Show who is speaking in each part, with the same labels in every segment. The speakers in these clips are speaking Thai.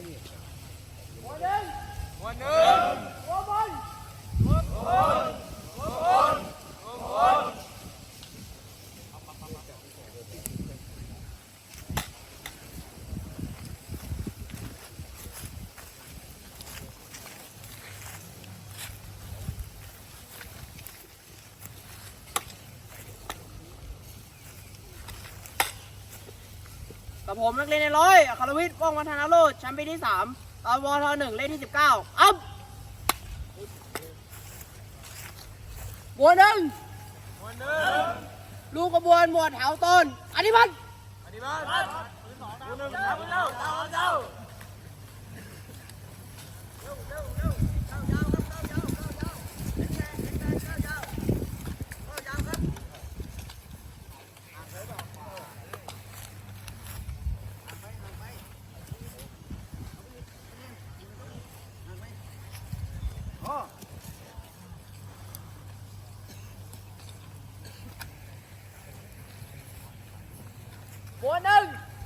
Speaker 1: กับผมนักเรียนในร้อยอัครวิทย์ ว่องวัฒนาโรจน์แชมป์ปีที่3 ตอนวท1 เลขที่ 19 อัพบวนหนึ่งลูกกระบวนหมวดแถวต้นอธิบัติหมวดหนึ่ง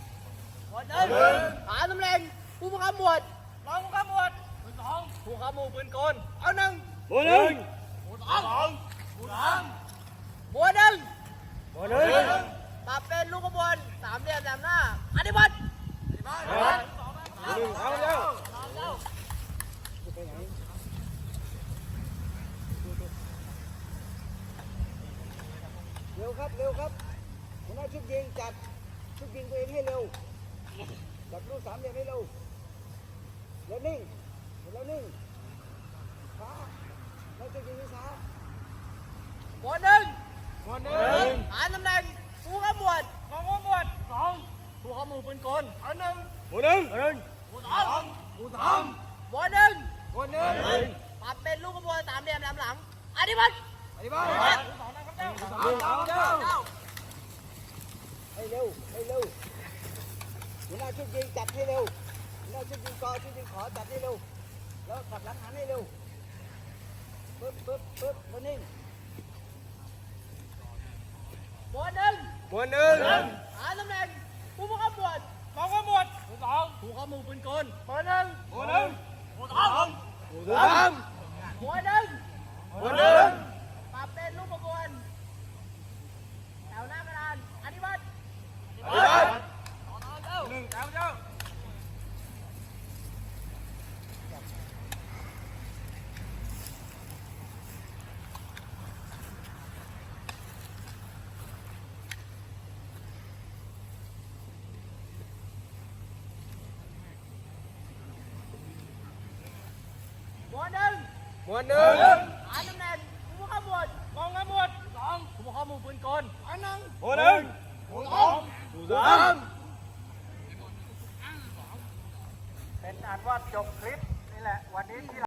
Speaker 1: หาตำแหน่งผู้บังคับหมวดรองผู้บังคับหมวดปืนสองผู้บังคับหมู่ปืนกลเอาหนึ่งหมวดหนึ่งหมวดสองหมวดสามหมวดหนึ่งปรับเป็นลูกขบวนสามเหลี่ยมแหลมหน้าอธิบัติเอาเร็ว
Speaker 2: ครับหัวหน้าชุดยิงจัดชุดยิงตัวเองให้เร็วจัดลูกสามเหลี่ยมให้เร็วแล้วนิ่งช้าแล้วชุดยิงช้า
Speaker 1: หมวดหนึ่งหาตำแหน่งผู้บังคับหมวดรองผู้บังคับหมวดสองผู้บังคับหมู่ปืนกลเอาหนึ่งหมวดสองหมวดหนึ่งปรับเป็นลูกขบวนสามเหลี่ยมแหลมหลังอธิบัติ
Speaker 2: ให้เร็วหัวหน้าชุดยิงจัดให้เร็วหัวหน้าชุดยิงกอชุดยิงขอจัดให้เร็วแล้วกลับหลังหันให้เร็วปึ๊บแล้วนิ่ง
Speaker 1: หมวดหนึ่งหาตำแหน่งผู้บังคับหมวดรองผู้บังคับหมวดสองผู้บังคับหมู่ปืนกลหมวดหนึ่งหมวดสองหมวดสามหมวดหนึ่งปรับเป็นลูกขบวนแถวหน้ากระดานอธิบัติหมวดหนึ่งหาตำแหน่งผู้บังคับหมวดรองผู้บังคับหมวดสองผู้บังคับหมู่ปืนกลอันหนึ่งหมวดสองเป็นอันว่าจบคลิปนี่แหละวันนี้ที่